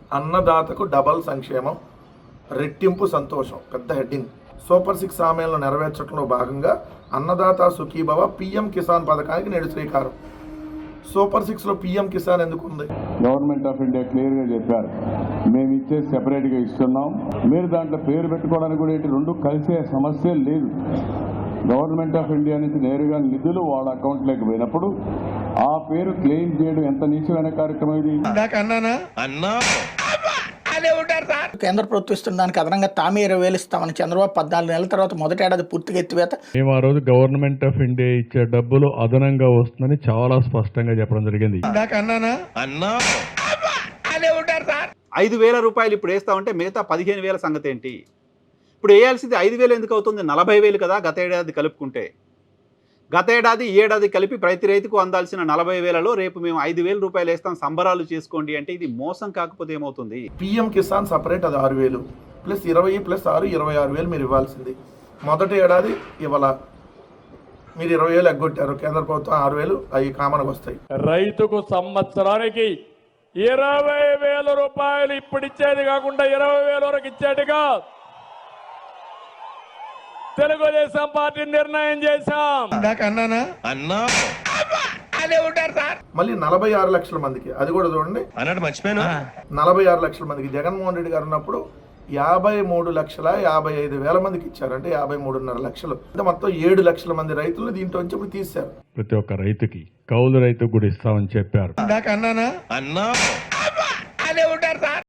అన్నదాతకు double సంక్షేమం, రెట్టింపు సంతోషం. పెద్ద హెడ్డింగ్. సూపర్ 6 హామీలను నెరవేర్చడంలో భాగంగా అన్నదాత సుఖీభవ పీఎం కిసాన్ పథకానికి నేడు శ్రీకారం. సూపర్ 6లో పీఎం కిసాన్ ఎందుకు ఉంది? గవర్నమెంట్ ఆఫ్ ఇండియా క్లియర్గా చెప్పారు, మేము ఇచ్చే సెపరేట్గా ఇస్తున్నాం. మీరు దాంట్లో పేరు పెట్టుకోవడానికి కూడా ఏంటి, రెండు కలిసే సమస్య లేదు. గవర్నమెంట్ ఆఫ్ ఇండియా నుంచి నేరుగా నిధులు వాళ్ళ అకౌంట్లోకి పోయినప్పుడు ఆ పేరు క్లెయిమ్ చేయడం ఎంత నీచమైన కార్యక్రమం ఇది. కేంద్ర ప్రభుత్వం ఇస్తున్న దానికి అదనంగా తామే 20,000 ఇస్తామని చంద్రబాబు 14 నెలల తర్వాత మొదటి ఏడాది పూర్తిగా ఎత్తివేత. మేము ఆ రోజు గవర్నమెంట్ ఆఫ్ ఇండియా ఇచ్చే డబ్బులు అదనంగా వస్తుందని చాలా స్పష్టంగా చెప్పడం జరిగింది. 5,000 రూపాయలు ఇప్పుడు వేస్తామంటే మిగతా 15,000 సంగతి ఏంటి? ఇప్పుడు వేయాల్సింది 5,000 ఎందుకు అవుతుంది? 40,000 కదా గత ఏడాది కలుపుకుంటే. గత ఏడాది ఈ ఏడాది కలిపి ప్రతి రైతుకు అందాల్సిన 40,000లో రేపు మేము 5,000 రూపాయలు వేస్తాం, సంబరాలు చేసుకోండి అంటే ఇది మోసం కాకపోతే ఏమవుతుంది? పీఎం కిసాన్ సపరేట్, అది 6,000 ప్లస్ 20 ప్లస్ 6 26,000 మీరు ఇవ్వాల్సింది. మొదటి ఏడాది ఇవ్వాల, మీరు 20,000 ఎగ్గొట్టారు. కేంద్ర ప్రభుత్వం 6,000 అవి కామన్గా వస్తాయి. రైతుకు సంవత్సరానికి 20,000 రూపాయలు ఇప్పుడు ఇచ్చేది కాకుండా 20,000 వరకు ఇచ్చేట్టుగా తెలుగుదేశం పార్టీ నిర్ణయం చేశాం. మళ్ళీ 46 లక్షల మందికి, అది కూడా చూడండి, 46 లక్షల మందికి జగన్మోహన్ రెడ్డి గారు ఉన్నప్పుడు 53,55,000 మందికి ఇచ్చారు. అంటే 53.5 లక్షలు. అంటే మొత్తం 7 లక్షల మంది రైతులు దీంట్లో నుంచి ఇప్పుడు తీశారు. ప్రతి ఒక్క రైతుకి, కౌలు రైతుకు కూడా ఇస్తామని చెప్పారు.